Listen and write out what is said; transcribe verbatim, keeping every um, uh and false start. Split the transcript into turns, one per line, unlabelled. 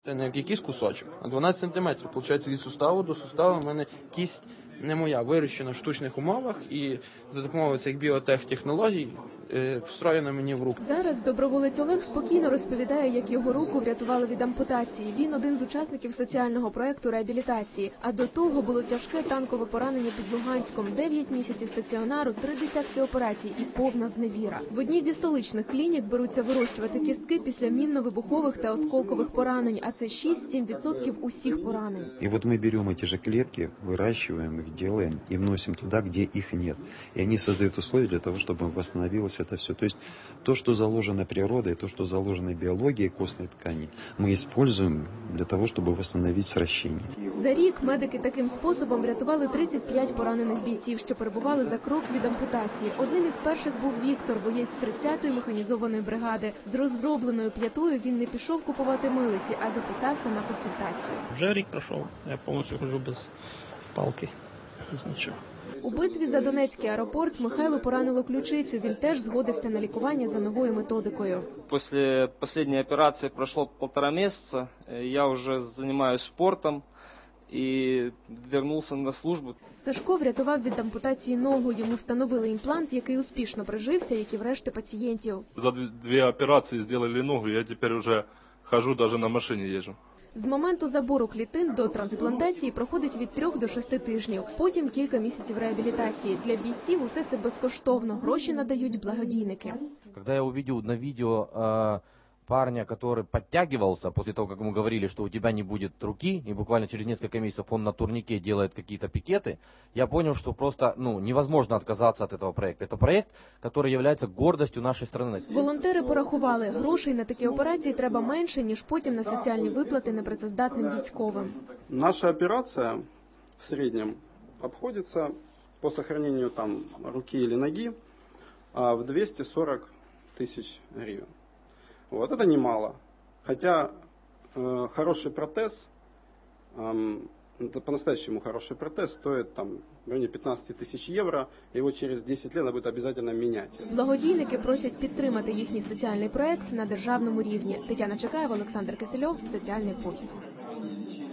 Це не якийсь кусочок, а дванадцять сантиметрів. Получається, від суставу до суставу в мене кість не моя, вирощена в штучних умовах і за допомогою цих біотехнологій встроєна мені в руку.
Зараз доброволець Олег спокійно розповідає, як його руку врятували від ампутації. Він один з учасників соціального проєкту реабілітації. А до того було тяжке танкове поранення під Луганськом, дев'ять місяців стаціонару, три десятки операцій і повна зневіра. В одній зі столичних клінік беруться вирощувати кістки після мінно-вибухових та осколкових поранень, а це шість-сім відсотків усіх поранень.
І от ми беремо ці ж клітки, вирощуємо їх, делаем и вносим туда, где их нет. И они создают условия для того, чтобы восстановилось это все. То есть то, что заложено природой, то, что заложено биологией костной ткани, мы используем для того, чтобы восстановить сращение.
За рік медики таким способом врятували тридцять п'ять поранених бійців, що перебували за крок від ампутації. Одним із перших був Віктор, боєць тридцятої механізованої бригади. З розробленою п'ятою він не пішов купувати милиці, а записався на консультацію.
Вже рік пройшов, я повністю ходжу без палки. Нічого.
У битві за Донецький аеропорт Михайло поранило ключицю. Він теж згодився на лікування за новою методикою.
Після останньої операції пройшло півтора місяця. Я вже займаюся спортом і повернувся на службу.
Сашко врятував від ампутації ногу. Йому встановили імплант, який успішно прижився, як і в решти пацієнтів.
За дві операції зробили ногу, я тепер вже ходжу, навіть на машині їжджу.
З моменту забору клітин до трансплантації проходить від трьох до шести тижнів. Потім кілька місяців реабілітації. Для бійців усе це безкоштовно. Гроші надають благодійники.
Коли я побачив на відео э, парня, который подтягивался после того, как ему говорили, что у тебя не будет руки, и буквально через несколько месяцев он на турнике делает какие-то пикеты, я понял, что просто ну, невозможно отказаться от этого проекта. Это проект, который является гордостью нашей страны.
Волонтери порахували, грошей на такі операції треба менше, ніж потім на соціальні виплати непрацездатним військовим.
Наша операция в среднем обходится по сохранению там руки или ноги в двести сорок тысяч гривен. Вот, это немало. Хотя э, хороший протез, э, по-настоящему хороший протез стоит там в районе пятнадцать тысяч евро, его через десять лет надо будет обязательно менять.
Благодійники просять підтримати їхній соціальний проект на державному рівні. Тетяна Чекаєва, Олександр Кисельов, Соціальний пульс.